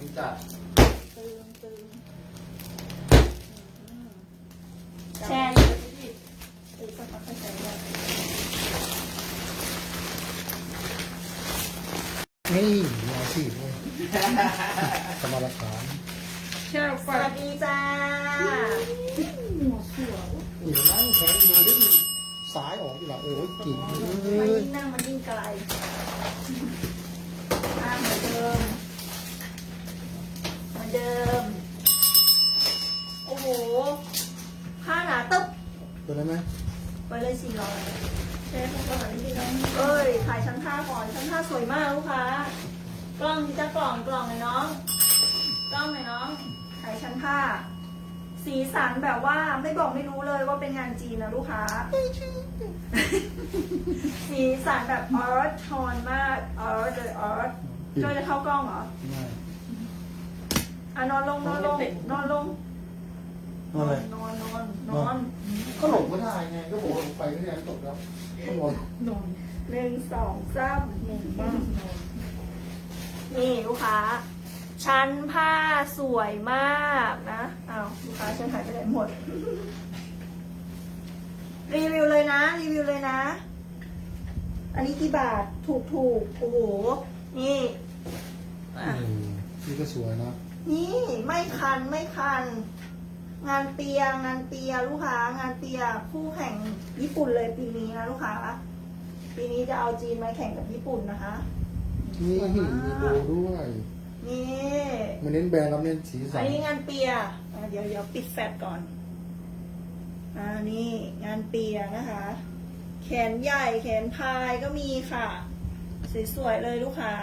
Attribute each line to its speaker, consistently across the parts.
Speaker 1: จัด
Speaker 2: ตึง
Speaker 3: แชร์
Speaker 2: ตึงสักพักก็ใช้ได้
Speaker 4: นี่ยาสีเลยสมรฐาน
Speaker 3: แชร์
Speaker 2: ส
Speaker 3: ไฟ
Speaker 2: วัสดีจ้า
Speaker 3: หัวสวย
Speaker 4: นี่นั่งแข็งอยู่ด้วยสายออกอยู่ละโอ้ยกิ่งเล
Speaker 2: มัน
Speaker 4: ย
Speaker 2: ยิ่งนั่งมันยิ่งไกลเหมือนเดิมโอ้โหผ้าหนาตึ๊บ
Speaker 4: เป็นไรไหม
Speaker 2: ไปเลย400เชฟต้องก่อนนิดนึงเอ้ยถ่ายชั้นผ้าก่อนชั้นผ้าสวยมากลูกค้ากล้องที่จะกล่องหน่อยน้องกล้องหน่อยน้องถ่ายชั้นผ้าสีสันแบบว่าไม่บอกไม่รู้เลยว่าเป็นงานจีนนะลูกค้า สีสันแบบออร์ทโทนมากออร์เลยออร์ก็จะเข้ากล้องเหรอ
Speaker 4: ไม่
Speaker 2: อ่ะนอนลง
Speaker 4: อะไร
Speaker 2: นอน
Speaker 4: ก็หลบไม่ได้ไงก็บอกว่าไปไม่ได้ตกแล้วก็นอน
Speaker 3: นอน
Speaker 2: 1 2 3
Speaker 3: นอนบ้างนอน
Speaker 2: นี่ลูกค้า ชั้นผ้าสวยมากนะอ้าวลูกค้าฉันหายไปไหนหมด รีวิวเลยนะ อันนี้กี่บาทถูกโอ้โห นี่อ่ะ
Speaker 4: นี่ก็สวยนะ
Speaker 2: นี่ไม่คัน งานเปียลูกค้างานเปียคู่แข่งญี่ปุ่นเลยปีนี้นะลูกค้า ปีนี้จะเอาจีนมาแข่งกับญี่ปุ่นนะคะ
Speaker 4: นี่มีโบด้วย
Speaker 2: นี่
Speaker 4: มันเน้นแบรนด์แล้วเน้นสีสั
Speaker 2: อั
Speaker 4: น
Speaker 2: นนี้งานเปียเดี๋ยวปิดแฟลชก่อนนี่งานเปียนะคะ แขนใหญ่แขนพายก็มีค่ะ สวยๆเลยลูกค้า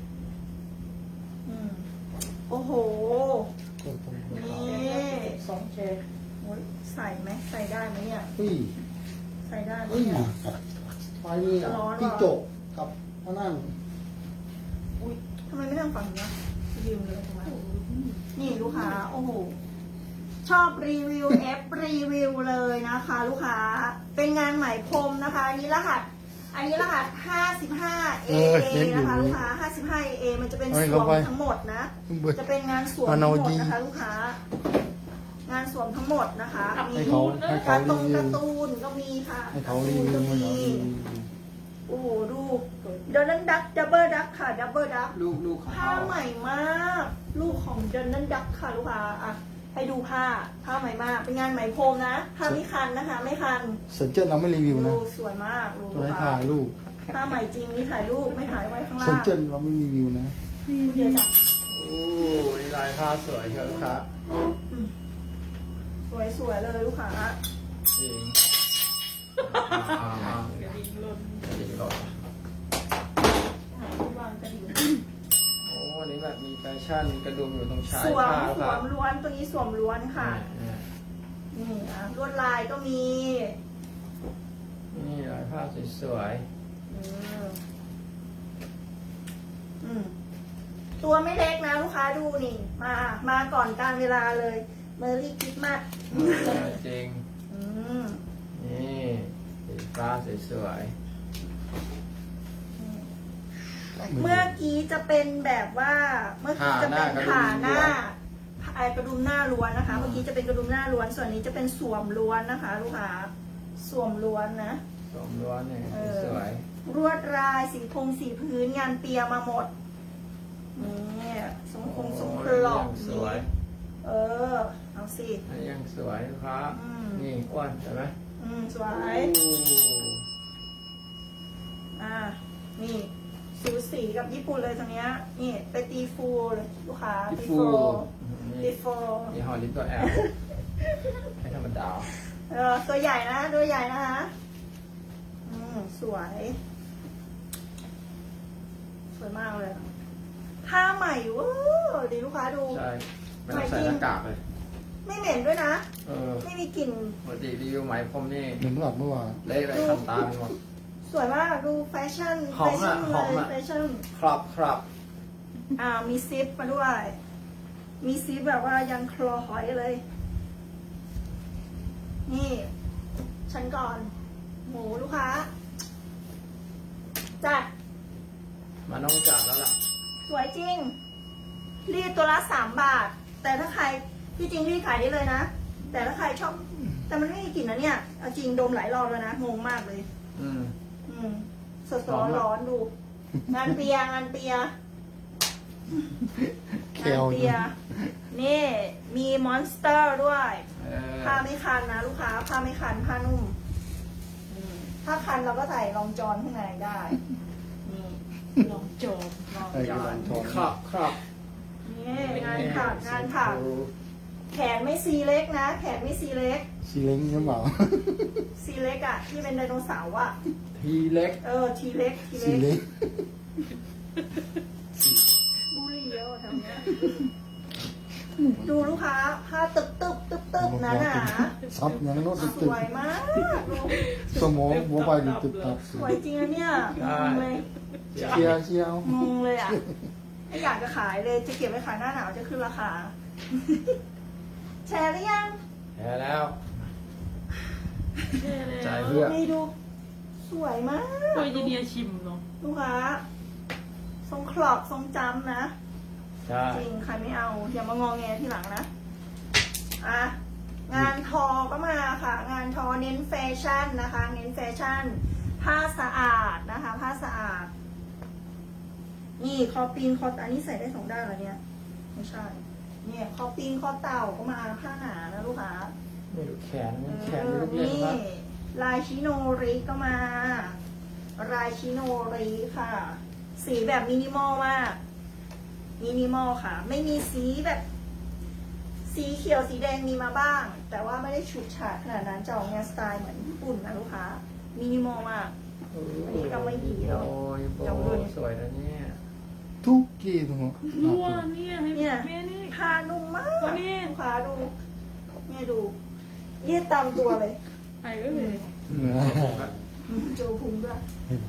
Speaker 2: โอ้โห
Speaker 4: คนตรงนี้
Speaker 2: นี่
Speaker 3: 2 แชร์
Speaker 2: โอ๊ยใส่ไหมใส่ได้ไหมเนี่ย
Speaker 4: อุ้ย
Speaker 2: ใส่ได้ไหม
Speaker 4: อุ้ย
Speaker 2: เนี่ย
Speaker 4: ไฟนี่
Speaker 2: ร้อนเหรอ
Speaker 4: ที่จกกับพนั่ง
Speaker 2: อุ้ยทำไมไม่นั่งฝั่งนี้ยืมเลยทำไมนี่ลูกค้า โอ้โห ชอบรีวิว รีวิวเลยนะคะ ลูกค้า เป็นงานไหมพรมนะคะ อันนี้รหัส 55 AA นะคะลูกค้า 55 AA มันจะเป็นสวมทั้งหมดนะ จะเป็นงานสวมทั้งหมดนะคะลูกค้า งานสวมทั้งหมดนะคะมี
Speaker 4: ให้เขาให้เขา
Speaker 2: การ์
Speaker 4: รีวิว
Speaker 2: ตูนก็มีค่ะ
Speaker 4: ให้เขารีวิว
Speaker 2: ก็
Speaker 4: ให้
Speaker 2: มี
Speaker 4: เขารีวิว
Speaker 2: โอ้โหดูเดนนันดักดับเบิลดักค่ะดับเบิลดัก
Speaker 1: ลูกของ
Speaker 2: ผ้า
Speaker 1: เขา
Speaker 2: ใหม่มาก ลูกของเดนนันดักค่ะลูกค้าอ่ะให้ดูผ้าใหม่มาก เป็นงานไหมพรมนะผ้าไม่คันนะคะ ไม่คัน
Speaker 4: เซนเจอร์เราไม่รีวิวนะ
Speaker 2: ดูสวยมากดู
Speaker 4: ตัวให้
Speaker 2: ค่ะ
Speaker 4: ถ่ายรูป
Speaker 2: ผ้าใหม่จริงนี่ถ่ายรูปไม่ถ่ายไว้ข้าง
Speaker 4: เซ
Speaker 2: ล่าน ง
Speaker 4: เจอร์เราไม่รีวิวนะ
Speaker 2: เดี๋ยวจ้ะ
Speaker 1: โอ้ยลายผ้าสวยเชียวลูกค้า
Speaker 2: สวยๆเลยลูกค้า
Speaker 1: จริง
Speaker 3: กระดิ่งหล่น
Speaker 1: จริงหรอ
Speaker 2: วางกระดิ่ง
Speaker 1: โอ้วันนี้แบบมีแฟชั่นมีกระดุมอยู่ตรงชาย
Speaker 2: สวม
Speaker 1: ผ้า
Speaker 2: ส
Speaker 1: คว รับ
Speaker 2: มล้วนตัวนี้สวมล้วนค่ะ นี่ลวดลายก็มี
Speaker 1: นี่ลายผ้าสวย
Speaker 2: ตัวไม่เล็กนะลูกค้าดูนี่ มาก่อนการเวลาเลยเมอรี่คริสต์มาส
Speaker 1: ๆจริงนี่สีฟ้าสวย
Speaker 2: เมื่อกี้จะเป็นแบบว่า เมื่อกี้จะเป็นผ่าหน้าไอกระดุมหน้าล้วนนะคะ เมื่อกี้จะเป็นกระดุมหน้าล้วน ส่วนนี้จะเป็นสวมล้วนนะคะ ลูกค้า สวมล้วนนะ
Speaker 1: ๆสมล้วนเนี่ยสวย
Speaker 2: รวดลายสีสีพื้นงานเปียมาหมดนี่ทรงทรงคลอก
Speaker 1: สวย
Speaker 2: เอาสิ
Speaker 1: ยังสวยครับ นี่อ้วนใช่ไหม
Speaker 2: สวยนี่สูสีกับญี่ปุ่นเลยตรงเนี้ยนี่ไปตีฟูเลยลูกค้าตีฟู
Speaker 1: นี่ฮอลลิปตัวแอลให้ธรรมดา
Speaker 2: ตัวใหญ่นะตัวใหญ่นะคะสวยมากเลยผ้าใหม่เว้ยดีลูกค้าดู
Speaker 1: ใช่ไม่ต้องใส่หน้ากากเลย
Speaker 2: ไม่เหม็นด้วยนะ
Speaker 1: ไม่
Speaker 2: มีกลิ่น
Speaker 1: ปกติรีวิวไหมพรมนี่
Speaker 4: เหมือนเมื่อวาน
Speaker 1: เละเลยทำตามหมด
Speaker 2: สวยมากดูแฟชั่น
Speaker 1: หอมอะหอมอะ
Speaker 2: แฟชั่น
Speaker 1: ครับ
Speaker 2: มีซิปมาด้วย มีซิปแบบว่ายังคลอหอยเลย นี่ฉันก่อนหมูลูกค้าจัด
Speaker 1: มาน้องจับแล้วล่ะ
Speaker 2: สวยจริงรีดตัวละ3 บาท แต่ถ้าใครที่จริงรีดขายได้เลยนะ แต่ถ้าใครชอบแต่มันไม่มีกลิ่นนะเนี่ยเอาจริงดมหลายรอบแล้วนะงงมากเลย
Speaker 1: อืม
Speaker 2: สดๆร้อนๆดู งานเปียงานเปีย
Speaker 4: เค
Speaker 2: งาน
Speaker 4: ล
Speaker 2: เปียนี่มีมอนสเตอร์ด้วย
Speaker 1: เออ
Speaker 2: ผ้าไม่คันนะลูกค้าผ้าไม่คันผ้านุ่มถ้าคันเราก็ใส่รองจอนข้างในได้นี่
Speaker 3: ลองโจม
Speaker 2: รอง
Speaker 4: ไอ้
Speaker 2: จ
Speaker 4: ก
Speaker 2: อ
Speaker 4: ระ
Speaker 2: น
Speaker 4: ดานทอง
Speaker 1: ครับครับ
Speaker 2: นี่งานถักงานถักแขนไม่ซีเล็กนะ แขนไม่ซีเล็ก
Speaker 4: ซีเล้งหรือเปล่า
Speaker 2: ซีเล็กอะที่เป็นไดโนเสาร์อะ
Speaker 1: ทีเล็ก
Speaker 2: ทีเล็กที
Speaker 4: ซี
Speaker 2: เล็ก
Speaker 4: เล้ง
Speaker 2: บุหรี่เยอะทำเนี้ยดูลูกค้าผ้าตึบตึบตึบตึบนะหนา
Speaker 4: ซับยังโน้ต
Speaker 2: ส
Speaker 4: ตึก
Speaker 2: วยมากดู
Speaker 4: สมองหัวไปดิตึกตับ
Speaker 2: สวยจริงนะเนี่ยงงเลย
Speaker 4: เชียร์เชียร์
Speaker 2: งงเลยอะไม่อยากจะขายเลยจะเก็บไว้ขายหน้าหนาวจะขึ้นราคา แชร์หรือยัง
Speaker 1: แพ้แล้ว
Speaker 3: เท่เลย
Speaker 1: จ่ายเพื่อ
Speaker 2: นี่ดู สวยมาก
Speaker 3: โดยจีเนียชิมเนาะ
Speaker 2: ลูกค้าทรงคลอกทรงจำนะ
Speaker 1: ใช่
Speaker 2: จริงใครไม่เอาอย่ามางอแงทีหลังนะอ่ะงานทอก็มาค่ะ งานทอเน้นแฟชั่นนะคะ เน้นแฟชั่น ผ้าสะอาดนะคะ ผ้าสะอาด นี่คอปีนคออันนี้ใส่ได้2 ด้านเหรอเนี่ยไม่ใช่ เนี่ยคอปีนคอเต่าก็มาผ้าหนานะลูกค้า
Speaker 1: ไม่รู้แขนมันแขนไม่รู้เล่น
Speaker 2: นี่
Speaker 1: ครับ
Speaker 2: ลายชิโนริก็มาลายชิโนริค่ะ สีแบบมินิมอลมากมินิมอลค่ะ ไม่มีสีแบบ สีเขียวสีแดงมีมาบ้าง แต่ว่าไม่ได้ฉูดฉาดขนาดนั้นจะออกแนวสไตล์เหมือนญี่ปุ่นนะลูกค้ามินิมอลมาก อันนี้ก็ไม่ดีหรอก
Speaker 1: โอ้ยโบ
Speaker 2: จำด้วย
Speaker 1: สวยนะเนี่ย
Speaker 4: ทุกกี้ตรง
Speaker 3: รัวเนี่ยให้
Speaker 2: เนี่ย
Speaker 3: แม่นี่
Speaker 2: ผ้านุ่มมาก
Speaker 3: ตัวนี้
Speaker 2: ลูกค้าดูเนี่ยดูยืดตามตัวเลย
Speaker 3: ไอ้เอ้ย
Speaker 2: โจพุงด้วย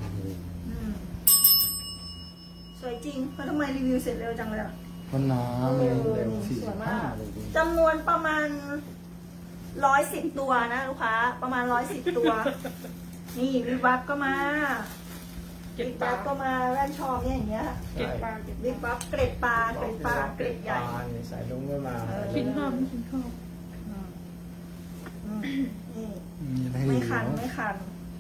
Speaker 2: สวยจริงแล้วทำไมรีวิวเสร็จเร็วจังเลยอ่ะ
Speaker 4: มันหนาเลยเร็ว
Speaker 2: สวยมาก
Speaker 4: 45เลยดิ
Speaker 2: จำนวนประมาณ110 ตัวนะลูกค้า ประมาณ110 ตัว นี่วิบวับก็มา
Speaker 3: เก็บ
Speaker 2: วิบ
Speaker 3: ปลา
Speaker 2: วับก็มาแว่นชอมเนี่ยอย่างเงี้ย
Speaker 3: เก็บปลาเก็บ
Speaker 2: วิบวับเกร็ดปลาเกร็ดปลาเกร็ดใหญ่
Speaker 1: นี่สายลุงก็มา
Speaker 3: กินข้าวไม่กินข้าว
Speaker 2: นี่
Speaker 4: มีอะไร
Speaker 2: ไม่
Speaker 4: อีก
Speaker 2: คัน
Speaker 4: เหรอ
Speaker 2: ไม่คัน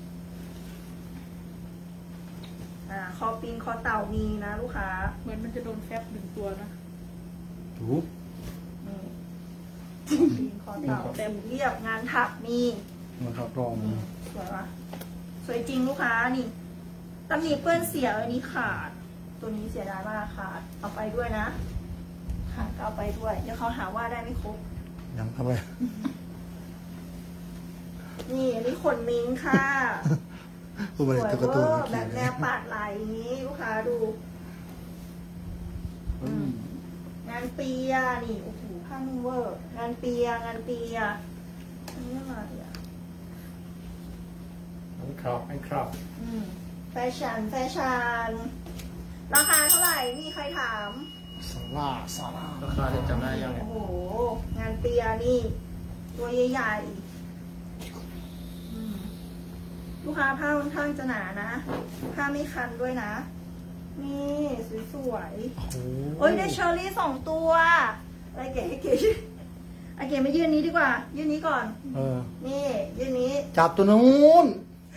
Speaker 2: คอปีนคอเต่ามีนะลูกค้า
Speaker 3: เหมือนมันจะโดนแฟบ1 ตัวนะ
Speaker 4: ถูก
Speaker 2: นี่คอปีนคอเต่าเต็มเรียบงานถักมี
Speaker 4: มันขับรอง
Speaker 2: สวยปะสวยจริงลูกค้านี่ตำหนิเปื้อนเสียอันนี้ขาด ตัวนี้เสียดายมากขาด เอาไปด้วยนะ ขาดก็เอาไปด้วย เดี๋ยวเขาหาว่าได้ไม่ครบ
Speaker 4: ยังทำไม
Speaker 2: นี่อันนี้ขนมิงค่ะ
Speaker 4: ผู้บ
Speaker 2: ส
Speaker 4: ริ
Speaker 2: วย
Speaker 4: ตร
Speaker 2: เว
Speaker 4: กระตุ้น
Speaker 2: อร์แบบแนวปาดไหลอย่างนี้ลูกค้าดู งานเปียนี่โอ้โหผ้านุ่มเวอร์ งานเปียงานเปียอันนี้อะไรอ่ะ
Speaker 1: มันครอบมันครอบ
Speaker 2: แฟชั่นแฟชั่นราคาเท่าไหร่มีใครถาม
Speaker 4: ซาร่า
Speaker 1: ราคาจะจำได้ยังไง
Speaker 2: โอ้โห งานเปียนี่ ตัวใหญ่ๆลูกค้าผ้าค่อนข้างจะหนานะ ผ้าไม่คันด้วยนะ นี่สวยๆ
Speaker 4: โอ้โห
Speaker 2: โอ้ยได้เชอร์รี่2 ตัวอะไรเก๋ให้เก๋ไอเก๋มายืนนี้ดีกว่า ยืนนี้ก่อน
Speaker 4: เออ
Speaker 2: นี่ยืนนี้
Speaker 4: จับตัวนู้น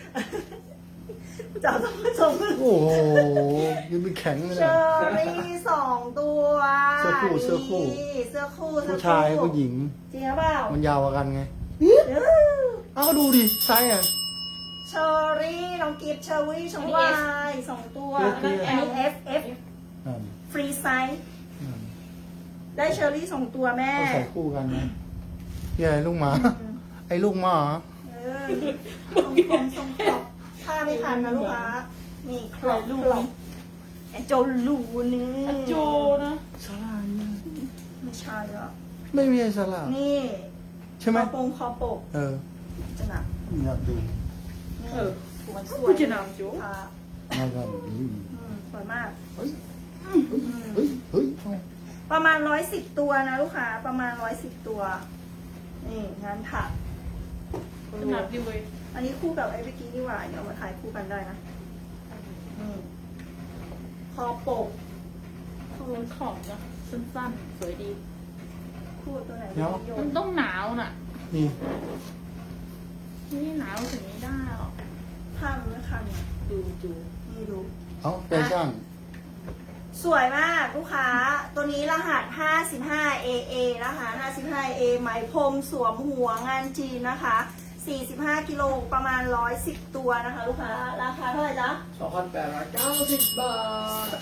Speaker 2: จับต้องผสม
Speaker 4: โอ้โหยังไม่แข็งเลย
Speaker 2: เช
Speaker 4: นะ
Speaker 2: อร์รี่2 ตัว
Speaker 4: เสื้อคู่เสื้อคู่
Speaker 2: นี่เสื้อคู่เสื้อ
Speaker 4: ผู้
Speaker 2: คู่
Speaker 4: ชายผู้หญิง
Speaker 2: จริงหรือเปล่า
Speaker 4: มันยาวกว่ากันไง
Speaker 2: เออ
Speaker 4: เอาก็ดูดิไซส์อ่ะ
Speaker 2: เชอร์รี่น้องกิฟต์เชอร์รี่ชมวาย2 ตัว
Speaker 4: โอเค
Speaker 2: อันนี้ F
Speaker 4: นั่น
Speaker 2: ฟรีไซส์
Speaker 4: นั่น
Speaker 2: ได้เชอร์รี่2 ตัวแม่
Speaker 4: เขาใส่คู่กันนะพี่อะไรลูกหมา ไอ้ลูกหมาเหรอ
Speaker 2: เออทรงผมทรงครอบผ้าไม่ทันนะลูกค้า นี่ครอบไอโจลูนี่
Speaker 3: อะโจนะ
Speaker 4: สลาเนี่ย
Speaker 2: ไม่ใช่หรอก
Speaker 4: ไม่มีไอ้สลา
Speaker 2: นี่
Speaker 4: ใช่ไหม
Speaker 2: คอปก
Speaker 4: เออ
Speaker 2: จะหนัก
Speaker 4: อยากดู
Speaker 2: นี่
Speaker 3: เออ
Speaker 2: สวยส
Speaker 3: ผู้
Speaker 2: วย
Speaker 3: จะนำโจ
Speaker 2: ค่ะ
Speaker 4: มากันนี้
Speaker 2: สวยมาก
Speaker 4: เฮ้ยเฮ้ยเฮ้ยเอา
Speaker 2: ประมาณ110 ตัวนะลูกค้า ประมาณ110 ตัว นี่งานถัก
Speaker 3: ขนาดดีเว้ย
Speaker 2: อันนี้คู่กับไอ้เมื่อกี้นี่หว่าเดี๋ยวเอามาถ่ายคู่กันได้นะนี่คอปก
Speaker 3: เขาล้นของนะ
Speaker 2: ส
Speaker 3: สั้นๆสวยดี
Speaker 2: คู่ตัวไหน
Speaker 4: เดี๋ยว
Speaker 2: โย
Speaker 3: มัน นต้องหนาวน่ะ
Speaker 4: นี่
Speaker 3: นี่หนาวถึงนี้ได้หรอก
Speaker 2: ผ้ามันไม่คันเนี่ย
Speaker 3: ดูดู
Speaker 2: นี่ดู
Speaker 4: เอาแฟชั่น
Speaker 2: สวยมากลูกค้า ตัวนี้รหัส 55AA นะคะ 55AA ไหมพรมสวมหัวงานจีนนะคะ 45 กิโลประมาณ 110 ตัวนะคะ ลูกค้า ราคาเท่าไหร่จ๊ะ
Speaker 1: 2,890 บาท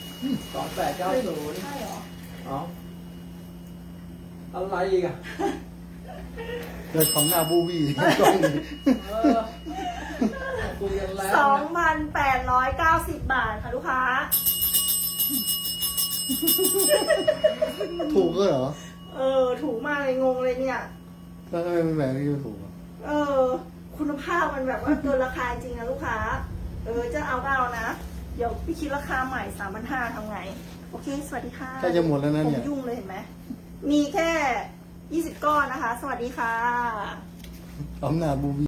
Speaker 1: 2890
Speaker 2: ใช่เหรอ
Speaker 1: เอาอะไรอีกอ่ะ
Speaker 4: เดินทำหน้าบูบี้กล้องนี่
Speaker 1: เออคุยกันแล้ว
Speaker 2: 2,890 บาทค่ะลูกค้า
Speaker 4: ถูกก็เหรอ
Speaker 2: ถูกมากเลยงงเลยเนี่ย
Speaker 4: แล้วทำไมเป็นแบบนี้ไม่ถูกอ่ะ
Speaker 2: คุณภาพมันแบบว่าเกินราคาจริงนะลูกค้า จะเอาก็เอานะ เดี๋ยวพี่คิดราคาใหม่ 3,500ทำไง โอเค สวัสดีค่ะ
Speaker 4: ใกล้จะหมดแล้วนะ
Speaker 2: ผม
Speaker 4: เนี่ย
Speaker 2: ยุ่งเลยเห็นไหม มีแค่ 20 ก้อนนะคะ สวัสดีค่ะ
Speaker 4: ทำหน้าบูบี้